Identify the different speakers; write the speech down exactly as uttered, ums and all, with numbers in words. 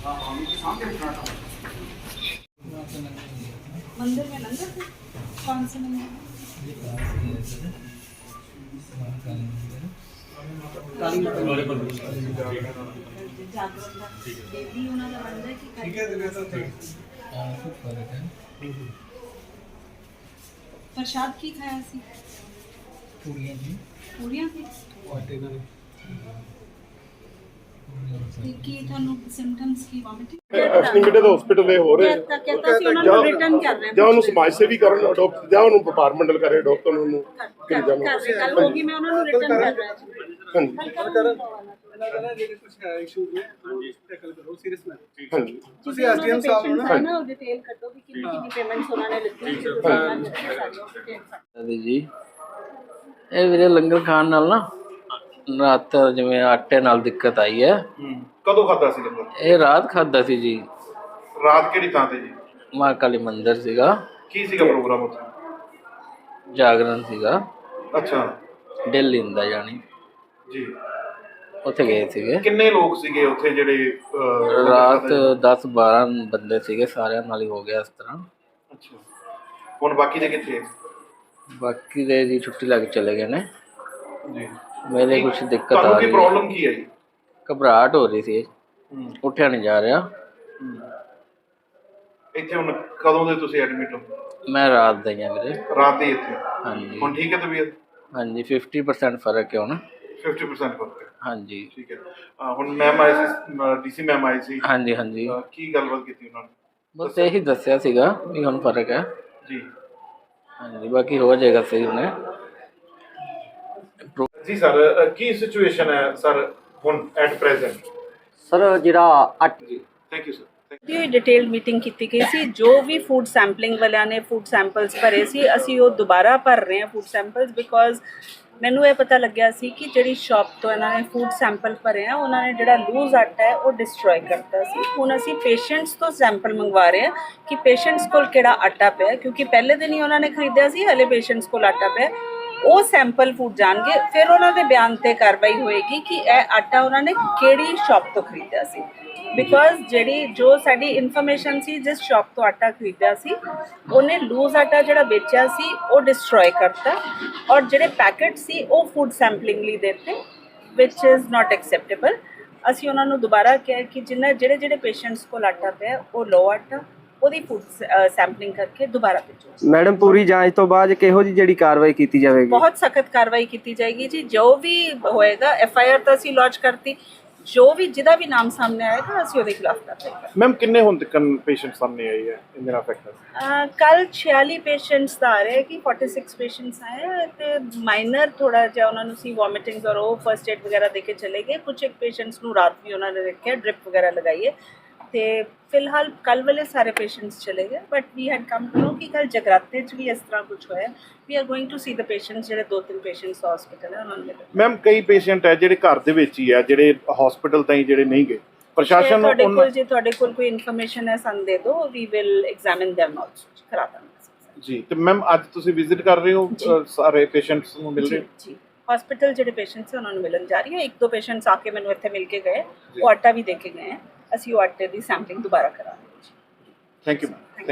Speaker 1: मंदिर में लंगर थे? कौन से मंदिर? देवी ਉਹਨਾਂ ਦਾ ਬਣਦਾ ਕਿ ਠੀਕ ਹੈ ਦਿਨੇ ਤਾਂ ਹਾਂ ਕੁਝ ਫਰਕ ਹੈ। ਪ੍ਰਸ਼ਾਦ ਕੀ ਖਾਇਆ ਸੀ? ਪੂੜੀਆਂ ਜੀ। ਪੂੜੀਆਂ ਸੀ ਆਟੇ ਨਾਲ। ਕੀ ਤੁਹਾਨੂੰ ਸਿੰਪਟਮਸ ਕੀ ਵੋਮਿਟਿੰਗ
Speaker 2: ਐਸਟੀਮੇਟਡ ਹਸਪੀਟਲ ਦੇ ਹੋ ਰਹੇ
Speaker 1: ਤਾਂ ਕਹਿੰਦਾ ਸੀ ਉਹਨਾਂ ਨੂੰ ਰਿਟਰਨ ਕਰ ਰਹੇ
Speaker 2: ਜਾਂ ਉਹਨੂੰ ਸਮਾਜ ਸੇਵੀ ਕਰਨ ਅਡਾਪਟ ਜਾਂ ਉਹਨੂੰ ਡਿਪਾਰਟਮੈਂਟਲ ਕਰੇ ਡਾਕਟਰ ਨੂੰ ਕਿ ਜਾਵਾਂ
Speaker 1: ਕੱਲ ਹੋਗੀ ਮੈਂ ਉਹਨਾਂ ਨੂੰ ਰਿਟਰਨ ਕਰ ਰਿਹਾ ਜੀ।
Speaker 2: ਹਾਂਜੀ
Speaker 3: ਕਰਨ ਇਹਨਾਂ ਦਾ ਜਿਹੜੇ ਕੁਝ ਹੈ ਇਸ਼ੂ ਨੇ ਹਾਂਜੀ ਟੈਕਲ ਕਰੋ ਸੀਰੀਅਸ ਮੈਂ
Speaker 2: ਹਾਂਜੀ
Speaker 3: ਤੁਸੀਂ ਐਸਡੀਐਮ ਸਾਹਿਬ ਨੂੰ
Speaker 1: ਨਾ ਨਾ ਉਹ ਡਿਟੇਲ ਕੱਢੋ ਕਿ ਕਿੰਨੀ ਕਿੰਨੀ ਪੇਮੈਂਟਸ ਉਹਨਾਂ ਨੇ ਲਿੱਤੀ
Speaker 4: ਹਾਂਜੀ ਜੀ ਇਹ ਵੀਰੇ ਲੰਗਰ ਖਾਣ ਨਾਲ ਨਾ ਰਾਤ ਜਿਵੇਂ ਆਟੇ ਨਾਲ ਦਿੱਕਤ ਆਈ ਹੈ।
Speaker 2: ਕਦੋਂ ਖਾਦਾ ਸੀ ਲੰਗਰ?
Speaker 4: ਇਹ ਰਾਤ ਖਾਦਾ ਸੀ ਜੀ।
Speaker 2: ਰਾਤ ਕਿਹੜੀ ਥਾਂ ਤੇ ਜੀ?
Speaker 4: ਮਾਂ ਕਾਲੀ ਮੰਦਿਰ ਸੀਗਾ।
Speaker 2: ਕੀ ਸੀਗਾ ਪ੍ਰੋਗਰਾਮ ਉੱਥੇ?
Speaker 4: ਜਾਗਰਣ ਸੀਗਾ।
Speaker 2: ਅੱਛਾ
Speaker 4: ਦਿੱਲੀ ਦਾ ਜਾਣੀ
Speaker 2: ਜੀ।
Speaker 4: ਉੱਥੇ ਗਏ ਸੀਗੇ।
Speaker 2: ਕਿੰਨੇ ਲੋਕ ਸੀਗੇ ਉੱਥੇ ਜਿਹੜੇ
Speaker 4: ਰਾਤ ਦਸ ਬਾਰਾਂ ਬੰਦੇ ਸੀਗੇ ਸਾਰਿਆਂ ਨਾਲ ਹੀ ਹੋ ਗਿਆ ਇਸ ਤਰ੍ਹਾਂ।
Speaker 2: ਅੱਛਾ ਹੁਣ ਬਾਕੀ ਦੇ ਕਿੱਥੇ?
Speaker 4: ਬਾਕੀ ਦੇ ਜੀ ਛੁੱਟੀ ਲੱਗ ਚਲੇ ਗਏ ਨੇ
Speaker 2: ਜੀ।
Speaker 4: ਮੇਰੇ ਕੁਝ ਦਿੱਕਤ ਆ
Speaker 2: ਤੁਹਾਨੂੰ
Speaker 4: ਰਹੀ
Speaker 2: ਕੀ ਪ੍ਰੋਬਲਮ ਕੀ ਹੈ ਜੀ?
Speaker 4: ਘਬਰਾਹਟ ਹੋ ਰਹੀ ਸੀ ਉੱਠਿਆ ਨਹੀਂ ਜਾ ਰਿਹਾ।
Speaker 2: ਇੱਥੇ ਹੁਣ ਕਦੋਂ ਦੇ ਤੁਸੀਂ ਐਡਮਿਟ ਹੋ?
Speaker 4: ਮੈਂ ਰਾਤ ਦਾ ਹੀ ਹਾਂ ਵੀਰੇ।
Speaker 2: ਰਾਤ ਦੇ ਇੱਥੇ?
Speaker 4: ਹਾਂਜੀ
Speaker 2: ਹੁਣ ਠੀਕ ਹੈ ਤਬੀਅਤ?
Speaker 4: ਹਾਂਜੀ ਫਿਫਟੀ ਪਰਸੈਂਟ ਫਰਕ ਹੈ ਹੁਣ।
Speaker 2: ਫਿਫਟੀ ਪਰਸੈਂਟ ਫਰਕ ਹੈ
Speaker 4: ਹਾਂਜੀ
Speaker 2: ਠੀਕ ਹੈ। ਹੁਣ ma'am I C DC ma'am I C.
Speaker 4: ਹਾਂਜੀ ਹਾਂਜੀ
Speaker 2: ਕੀ ਗੱਲਬਾਤ ਕੀਤੀ ਉਹਨਾਂ ਨੇ?
Speaker 4: ਬਸ ਇਹੀ ਦੱਸਿਆ ਸੀਗਾ ਵੀ ਹੁਣ ਫਰਕ ਹੈ
Speaker 2: ਜੀ।
Speaker 4: ਹਾਂਜੀ ਬਾਕੀ ਹੋ ਜਾਏਗਾ ਸਹੀ ਹੁਣੇ।
Speaker 2: ਜੀ ਸਰ ਕੀ ਸਿਚੁਏਸ਼ਨ ਹੈ ਸਰ ਹੁਣ ਐਟ ਪ੍ਰੈਜ਼ੈਂਟ?
Speaker 5: ਸਰ ਜਿਹੜਾ ਅੱਠ
Speaker 2: ਜੀ ਥੈਂਕ ਯੂ ਸਰ।
Speaker 1: ਦੀ ਡਿਟੇਲ ਮੀਟਿੰਗ ਕੀਤੀ ਗਈ ਸੀ। ਜੋ ਵੀ ਫੂਡ ਸੈਂਪਲਿੰਗ ਵਾਲਿਆਂ ਨੇ ਫੂਡ ਸੈਂਪਲਸ ਭਰੇ ਸੀ ਅਸੀਂ ਉਹ ਦੁਬਾਰਾ ਭਰ ਰਹੇ ਹਾਂ ਫੂਡ ਸੈਂਪਲਸ ਬਿਕੋਜ਼ ਮੈਨੂੰ ਇਹ ਪਤਾ ਲੱਗਿਆ ਸੀ ਕਿ ਜਿਹੜੀ ਸ਼ਾਪ ਤੋਂ ਇਹਨਾਂ ਨੇ ਫੂਡ ਸੈਂਪਲ ਭਰੇ ਆ ਉਹਨਾਂ ਨੇ ਜਿਹੜਾ ਲੂਜ਼ ਆਟਾ ਹੈ ਉਹ ਡਿਸਟਰੋਏ ਕਰਤਾ ਸੀ। ਹੁਣ ਅਸੀਂ ਪੇਸ਼ੈਂਟਸ ਤੋਂ ਸੈਂਪਲ ਮੰਗਵਾ ਰਹੇ ਹਾਂ ਕਿ ਪੇਸ਼ੈਂਟਸ ਕੋਲ ਕਿਹੜਾ ਆਟਾ ਪਿਆ ਕਿਉਂਕਿ ਪਹਿਲੇ ਦਿਨ ਹੀ ਉਹਨਾਂ ਨੇ ਖਰੀਦਿਆ ਸੀ ਹਲੇ ਪੇਸ਼ੈਂਟਸ ਕੋਲ ਆਟਾ ਪਿਆ। ਉਹ ਸੈਂਪਲ ਫੂਡ ਜਾਣਗੇ ਫਿਰ ਉਹਨਾਂ ਦੇ ਬਿਆਨ ਤੇ ਕਾਰਵਾਈ ਹੋਏਗੀ ਕਿ ਇਹ ਆਟਾ ਉਹਨਾਂ ਨੇ ਕਿਹੜੀ ਸ਼ਾਪ ਤੋਂ ਖਰੀਦਿਆ ਸੀ ਬਿਕੋਜ਼ ਜਿਹੜੀ ਜੋ ਸਾਡੀ ਇਨਫੋਰਮੇਸ਼ਨ ਸੀ ਜਿਸ ਸ਼ਾਪ ਤੋਂ ਆਟਾ ਖਰੀਦਿਆ ਸੀ ਉਹਨੇ ਲੂਜ਼ ਆਟਾ ਜਿਹੜਾ ਵੇਚਿਆ ਸੀ ਉਹ ਡਿਸਟਰੋਏ ਕਰਤਾ ਔਰ ਜਿਹੜੇ ਪੈਕਟ ਸੀ ਉਹ ਫੂਡ ਸੈਂਪਲਿੰਗ ਲਈ ਦਿੱਤੇ ਵਿਚ ਇਜ਼ ਨਾਟ ਐਕਸੈਪਟੇਬਲ। ਅਸੀਂ ਉਹਨਾਂ ਨੂੰ ਦੁਬਾਰਾ ਕਿਹਾ ਕਿ ਜਿੰਨਾ ਜਿਹੜੇ ਜਿਹੜੇ ਪੇਸ਼ੈਂਟਸ ਕੋਲ ਆਟਾ ਪਿਆ ਉਹ ਲੋ ਆਟਾ ਉਹਦੀ ਫੂਡ ਸੈਂਪਲਿੰਗ ਕਰਕੇ ਦੁਬਾਰਾ ਭੇਜੋ।
Speaker 5: ਮੈਡਮ ਪੂਰੀ ਜਾਂਚ ਤੋਂ ਬਾਅਦ ਕਿਹੋ ਜਿਹੀ ਜਿਹੜੀ ਕਾਰਵਾਈ ਕੀਤੀ ਜਾਵੇਗੀ?
Speaker 1: ਬਹੁਤ ਸਖਤ ਕਾਰਵਾਈ ਕੀਤੀ ਜਾਏਗੀ ਜੀ। ਜੋ ਵੀ ਹੋਏਗਾ ਐਫ ਆਈ ਆਰ ਤਾਂ ਅਸੀਂ ਲੌਂਚ ਕਰਤੀ ਜੋ ਵੀ ਜਿਹਦਾ ਵੀ ਨਾਮ ਸਾਹਮਣੇ ਆਏਗਾ ਅਸੀਂ ਉਹਦੇ ਖਿਲਾਫ ਕਾਰਵਾਈ।
Speaker 2: ਮੈਮ ਕਿੰਨੇ ਹੁਣ ਤੱਕ ਪੇਸ਼ੈਂਟ ਸਾਹਮਣੇ ਆਏ ਹੈ ਇੰਦਰਾ ਫੈਕਟਰ?
Speaker 1: ਕੱਲ ਛਿਆਲੀ ਪੇਸ਼ੈਂਟਸ ਦਾ ਆ ਰਹੇ ਕਿ छियालीस ਪੇਸ਼ੈਂਟਸ ਆਏ ਤੇ ਮਾਈਨਰ ਥੋੜਾ ਜਿਹਾ ਉਹਨਾਂ ਨੂੰ ਸੀ ਵੋਮਿਟਿੰਗਸ ਔਰ ਉਹ ਫਰਸਟ ਏਡ ਵਗੈਰਾ ਦੇ ਕੇ ਚਲੇ ਗਏ। ਕੁਝ ਇੱਕ ਪੇਸ਼ੈਂਟਸ ਨੂੰ ਰਾਤ ਵੀ ਉਹਨਾਂ ਨੇ ਰੱਖਿਆ ਡ੍ਰਿਪ ਵਗੈਰਾ ਲਗਾਈਏ ਤੇ ਫਿਲਹਾਲ ਕੱਲ ਵਾਲੇ ਸਾਰੇ ਪੇਸ਼ੈਂਟਸ ਚਲੇ ਗਏ but we had come to know ਕਿ ਕੱਲ ਜਗਰਾਤੇ 'ਚ ਵੀ ਇਸ ਤਰ੍ਹਾਂ ਕੁਝ ਹੋਇਆ। We are going to see the patients ਜਿਹੜੇ ਦੋ ਤਿੰਨ ਪੇਸ਼ੈਂਟਸ ਹਸਪੀਟਲ ਹੈ ਉਹਨਾਂ ਨੂੰ।
Speaker 2: ਮੈਮ ਕਈ ਪੇਸ਼ੈਂਟ ਹੈ ਜਿਹੜੇ ਘਰ ਦੇ ਵਿੱਚ ਹੀ ਹੈ ਜਿਹੜੇ ਹਸਪੀਟਲ ਤਾਈਂ ਜਿਹੜੇ ਨਹੀਂ ਗਏ ਪ੍ਰਸ਼ਾਸਨ ਨੂੰ
Speaker 1: ਤੁਹਾਡੇ ਕੋਲ ਜੇ ਤੁਹਾਡੇ ਕੋਲ ਕੋਈ ਇਨਫੋਰਮੇਸ਼ਨ ਹੈ ਸਾਨੂੰ ਦੇ ਦਿਓ we will examine them also ਕਰਾ ਦਾਂਗੇ
Speaker 2: ਜੀ। ਤੇ ਮੈਮ ਅੱਜ ਤੁਸੀਂ ਵਿਜ਼ਿਟ ਕਰ ਰਹੇ ਹੋ ਸਾਰੇ ਪੇਸ਼ੈਂਟਸ ਨੂੰ ਮਿਲ ਰਹੇ ਹੋ?
Speaker 1: ਜੀ ਹਸਪੀਟਲ ਜਿਹੜੇ ਪੇਸ਼ੈਂਟਸ ਹੈ ਉਹਨਾਂ ਨੂੰ ਮਿਲਣ ਜਾ ਰਹੀ ਹੈ। ਇੱਕ ਦੋ ਪੇਸ਼ੈਂਟਸ ਆ ਕੇ ਮੈਨੂੰ ਇੱਥੇ ਮਿਲ ਕੇ ਗਏ ਉਹ ਆਟਾ ਵੀ ਦੇ ਕੇ ਗਏ ਅਸੀਂ ਉਹ ਆਟੇ ਦੀ ਸੈਂਪਲਿੰਗ ਦੁਬਾਰਾ ਕਰਾਂਗੇ।
Speaker 2: Thank you.